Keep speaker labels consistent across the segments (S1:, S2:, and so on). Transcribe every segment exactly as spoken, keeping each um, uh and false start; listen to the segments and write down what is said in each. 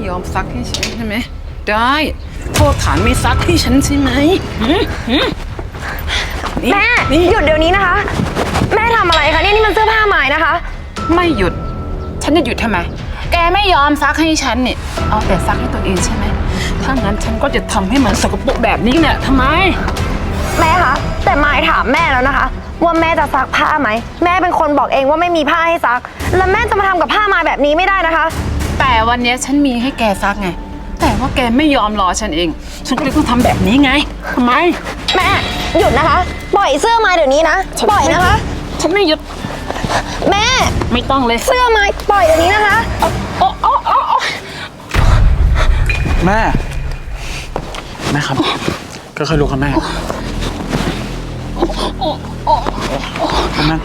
S1: ยอมซักให้ฉันใช่ไหมได้โทษฐานไม่ซักให้ฉันใช่ไหม
S2: แม่หยุดเดี๋ยวนี้นะคะแม่ทำอะไรคะนี่นี่มันเสื้อผ้าใหม่นะคะ
S1: ไม่หยุดฉันจะหยุดทำไมแกไม่ยอมซักให้ฉันเนี่ยเอาแต่ซักให้ตัวเองใช่ไหมถ้างั้นฉันก็จะทำให้มันสกปรกแบบนี้เนี่ยทำไม
S2: แม่คะแต่มายถามแม่แล้วนะคะว่าแม่จะซักผ้าไหมแม่เป็นคนบอกเองว่าไม่มีผ้าให้ซักแล้วแม่จะมาทำกับผ้ามายแบบนี้ไม่ได้นะคะ
S1: แต่วันนี้ฉันมีให้แกซักไงแต่ว่าแกไม่ยอมรอฉันเองฉันก็เลยต้องทำแบบนี้ไงทำไม
S2: แม่หยุดนะคะปล่อยเสื้อมายเดี๋ยวนี้นะปล่อยนะคะ
S1: ฉันไม่หยุด
S2: แม่
S1: ไม่ต้องเลย
S2: เสื้อมายปล่อยเดี๋ยวนี้นะคะ
S1: โอ้โอ้โอ้
S3: แม่แม่ครับก็ค่อยลุกครับแม่แม่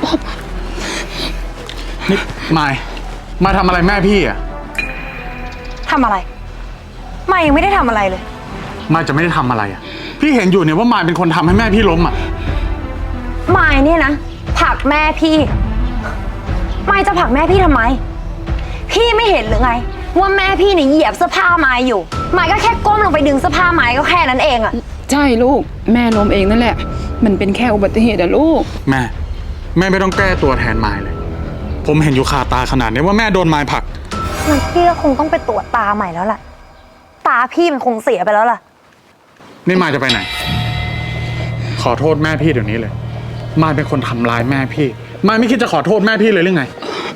S3: นี่มายมาทำอะไรแม่พี่อะ
S2: ทำอะไรมายยังไม่ได้ทำอะไรเลย
S3: มายจะไม่ได้ทำอะไรอะพี่เห็นอยู่เนี่ยว่ามายเป็นคนทำให้แม่พี่ล้มอะ
S2: มายเนี่ยนะผลักแม่พี่มายจะผลักแม่พี่ทำไมพี่ไม่เห็นหรือไงว่าแม่พี่เนี่ยเหยียบเสื้อผ้ามายอยู่มายก็แค่ก้มลงไปดึงเสื้อผ้ามายก็แค่นั้นเองอะ
S1: ใช่ลูกแม่ล้มเองนั่นแหละมันเป็นแค่อุบัติเหตุอะลูก
S3: แม่แม่ไม่ต้องแก้ตัวแทนมายเลยผมเห็นอยู่คาตาขนาดนี้ว่าแม่โดนมายผลัก
S2: งั้นพี่ก็คงต้องไปตรวจตาใหม่แล้วล่ะตาพี่มันคงเสียไปแล้วล่ะ
S3: นี่มายจะไปไหนขอโทษแม่พี่เดี๋ยวนี้เลยมายเป็นคนทำร้ายแม่พี่มายไม่คิดจะขอโทษแม่พี่เลยหรือไง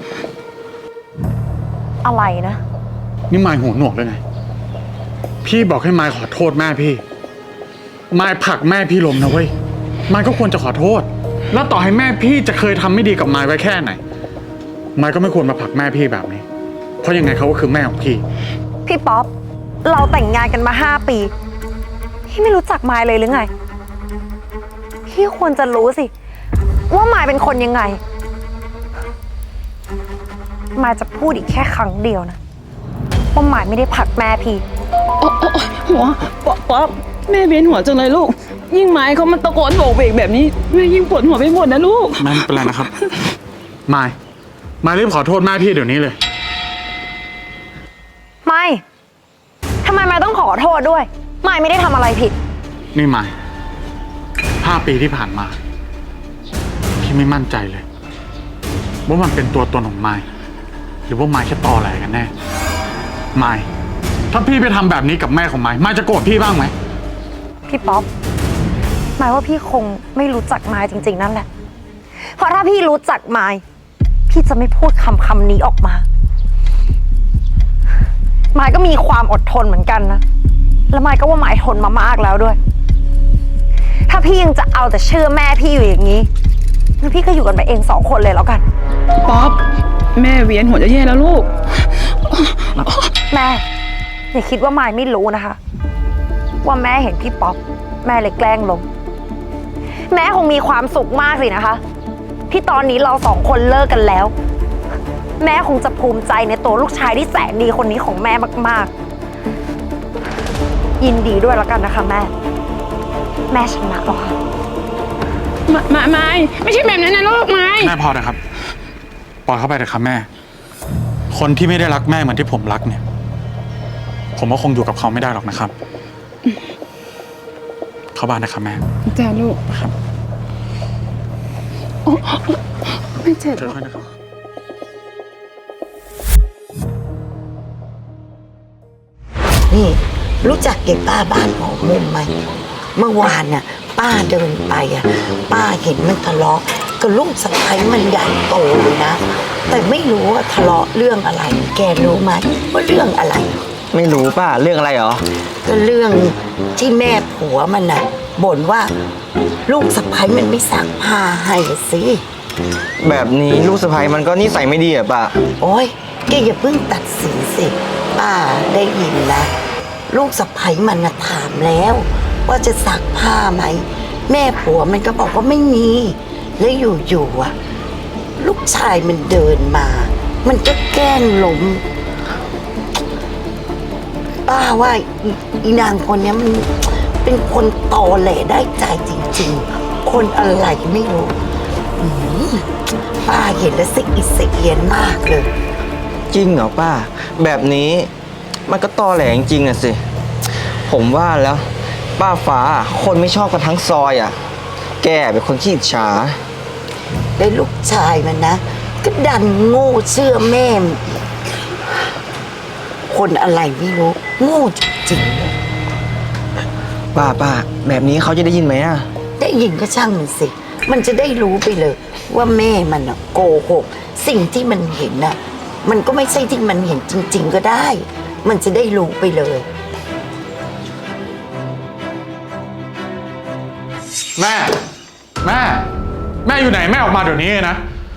S2: อะไรนะ
S3: นี่มายหูหนวกเลยไงพี่บอกให้มายขอโทษแม่พี่มายผลักแม่พี่ล้มนะเว้ยมายก็ควรจะขอโทษแล้วต่อให้แม่พี่จะเคยทำไม่ดีกับมายไว้แค่ไหนมายก็ไม่ควรมาผลักแม่พี่แบบนี้เพราะยังไงเขาก็คือแม่ของพี่
S2: พี่ป๊อปเราแต่งงานกันมาห้าปีพี่ไม่รู้จักมายเลยหรือไงพี่ควรจะรู้สิว่ามายเป็นคนยังไงมายจะพูดอีกแค่ครั้งเดียวนะว่ามายไม่ได้ผลักแม่พี่
S1: โอ้หัวป๊อปป๊อปแม่เวียนหัวจังเลยลูกยิ่งไม้เขามันตะโกนโบกเบกแบบนี้แม่ยิ่งปวดหัวไปหมดนะลูก
S3: ไม่เป็นไรนะครับมายมายรีบขอโทษแม่พี่เดี๋ยวนี้เลย
S2: ไม่ทำไมมายต้องขอโทษด้วยมายไม่ได้ทำอะไรผิด
S3: นี่มายห้าปีที่ผ่านมาพี่ไม่มั่นใจเลยว่ามันเป็นตัวตนของมายหรือว่ามายแค่ตอแหลกันแน่มายถ้าพี่ไปทำแบบนี้กับแม่ของมายมายจะโกรธพี่บ้างไหม
S2: พี่ป๊อปหมายว่าพี่คงไม่รู้จักมายจริงๆนั่นแหละเพราะถ้าพี่รู้จักมายพี่จะไม่พูดคำคำนี้ออกมามายก็มีความอดทนเหมือนกันนะแล้วมายก็ว่ามายทนมามากแล้วด้วยถ้าพี่ยังจะเอาแต่เชื่อแม่พี่อยู่อย่างนี้งั้นพี่ก็อยู่กันไปเองสองคนเลยแล้วกัน
S1: ป๊อปแม่เวียนหัวจะแย่แล้วลูก
S2: แม่อย่าคิดว่ามายไม่รู้นะคะว่าแม่เห็นพี่ป๊อปแม่เลยแกล้งล้มแม่คงมีความสุขมากสินะคะที่ตอนนี้เราสองคนเลิกกันแล้วแม่คงจะภูมิใจในตัวลูกชายที่แสนดีคนนี้ของแม่มากๆยินดีด้วยแล้วกันนะคะแม่แม่ชนะหรอคะ
S1: ไม่ไม่ไม่ใช่แบบนั้นนะลูกไม่
S3: แม่พอนะครับปล่อยเข้าไปเถอะครับแม่คนที่ไม่ได้รักแม่เหมือนที่ผมรักเนี่ยผมก็คงอยู่กับเขาไม่ได้หรอกนะครับเข้าบ้านนะครับแม่
S1: จ้าลูก
S3: ครับ
S1: โอ้ไม่เจ็บ
S3: เจอกันนะครับ
S4: นี่รู้จักเก็บป้าบ้านหอมุมไหมเมื่อวานน่ะป้าเดินไปอ่ะป้าเห็นมันทะเลาะกับลูกสะใภ้มันใหญ่โตเลยนะแต่ไม่รู้ว่าทะเลาะเรื่องอะไรแกรู้ไหมว่าเรื่องอะไร
S5: ไม่รู้ป้าเรื่องอะไรหรอ
S4: ก็เรื่องที่แม่ผัวมันน่ะบ่นว่าลูกสะใภ้มันไม่ซักผ้าให้สิ
S5: แบบนี้ลูกสะใภ้มันก็นิสัยไม่ดีอะป้า
S4: โอ๊ยแกอย่าเพิ่งตัดสินสิป้าได้ยินนะลูกสะใภ้มันน่ะถามแล้วว่าจะซักผ้าไหมแม่ผัวมันก็บอกว่าไม่มีแล้วอยู่ๆอ่ะลูกชายมันเดินมามันก็แกล้งล้มป้าว่าอีนางคนนี้มันเป็นคนตอแหลได้ใจจริงๆคนอะไรไม่รู้ป้าเห็นแล้วสิอิสเอียนมากเลย
S5: จริงเหรอป้าแบบนี้มันก็ตอแหลจริงๆน่ะสิ ผมว่าแล้ว ป้าฟ้าคนไม่ชอบกันทั้งซอยอ่ะ แกเป็นคนขี้อิจฉา
S4: ได้ลูกชายมันนะ ก็ดันโง่เชื่อแม่มคนอะไรไม่รู้โง่จริง
S5: ป้าป้าแบบนี้เขาจะได้ยินไหมอ่ะ
S4: ๆได้ยินก็ช่างมันสิ มันจะได้รู้ไปเลย ว่าแม่มันอะโกหก สิ่งที่มันเห็นน่ะ มันก็ไม่ใช่ที่มันเห็นจริง ๆ ก็ได้ มันจะได้รู้ไปเลย
S3: แม่ แม่ แม่อยู่ไหนแม่ออกมาเดี๋ยวนี้เลยนะ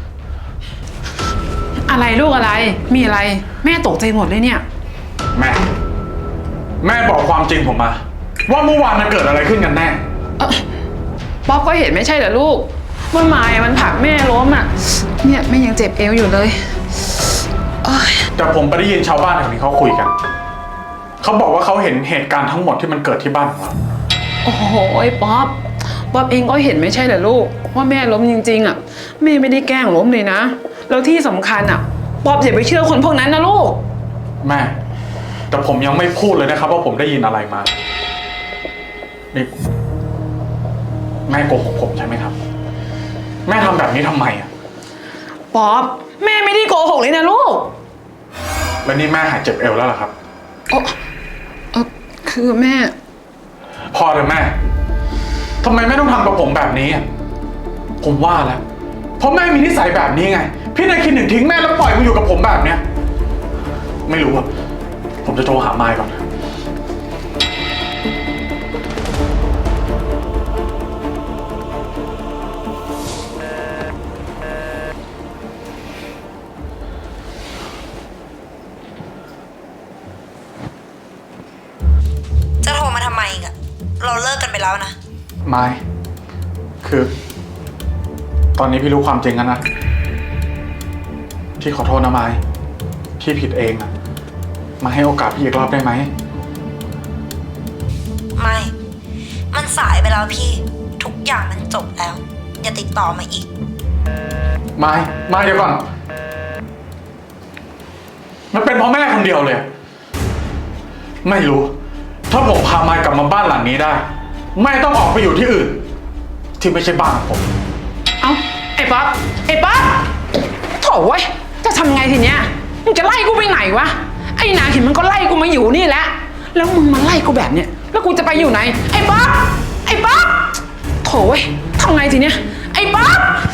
S1: อะไรลูกอะไร มีอะไร แม่ตกใจหมดเลยเนี่ย
S3: แม่ แม่บอกความจริงผมมา ว่าเมื่อวานมันเกิดอะไรขึ้นกันแน่
S1: เอ้อป๊อปก็เห็นไม่ใช่เหรอลูกว่าไม้มันผลักแม่ล้มอ่ะ เนี่ยแม่ยังเจ็บเอวอยู่เลยโอ๊ย
S3: แต่ผมไปได้ยินชาวบ้านแถวนี้เขาคุยกัน เขาบอกว่าเขาเห็นเหตุการณ์ทั้งหมดที่มันเกิดที่บ้านของเรา
S1: โอ้โหป๊อปป๊อปเองก็เห็นไม่ใช่เหรอลูกว่าแม่ล้มจริงๆอ่ะแม่ไม่ได้แกล้งล้มเลยนะแล้วที่สำคัญอ่ะป๊อปอย่าไปเชื่อคนพวกนั้นนะลูก
S3: แม่ แต่ผมยังไม่พูดเลยนะครับ ว่าผมได้ยินอะไรมา นี่แม่โกหกผมใช่ไหมครับ แม่ทำแบบนี้ทำไมอ่ะ
S1: ป๊อปแม่ไม่ได้โกหกเลยนะลูก
S3: แล้วนี่แม่หายเจ็บเอวแล้วเหรอครับ
S1: เออเออคือแม่
S3: พอเลยแม่ทำไมแม่ต้องทำกับผมแบบนี้อ่ะผมว่าแล้วเพราะแม่มีนิสัยแบบนี้ไง พี่นายคิดหนึ่งทิ้งแม่แล้วปล่อยมาอยู่กับผมแบบเนี้ย ไม่รู้อ่ะ ผมจะโทรหามายก่อน
S2: จะโทรมาทำไมอีกอะเราเลิกกันไปแล้วนะ
S3: มาย คือ ตอนนี้พี่รู้ความจริงแล้วนะ พี่ขอโทษนะมาย พี่ผิดเองอะมาให้โอกาสพี่อีกรอบได้ไหม
S2: ไม่ มันสายไปแล้วพี่ ทุกอย่างมันจบแล้ว อย่าติดต่อมาอีก
S3: มาย มายเดี๋ยวก่อน มันเป็นเพราะแม่คนเดียวเลย ไม่รู้ ถ้าผมพามายกลับมาบ้านหลังนี้ได้ แม่ต้องออกไปอยู่ที่อื่น ที่ไม่ใช่บ้านของผม
S1: เอ้าไอ้ป๊อปไอ้ป๊อปโถ่เว้ยจะทำไงทีเนี้ยมึงจะไล่กูไปไหนวะไอ้นาเห็นมันก็ไล่กูมาอยู่นี่แหละแล้วมึงมาไล่กูแบบเนี้ยแล้วกูจะไปอยู่ไหนไอ้ป๊อปไอ้ป๊อปโถ่เว้ยทำไงทีเนี้ยไอ้ป๊อป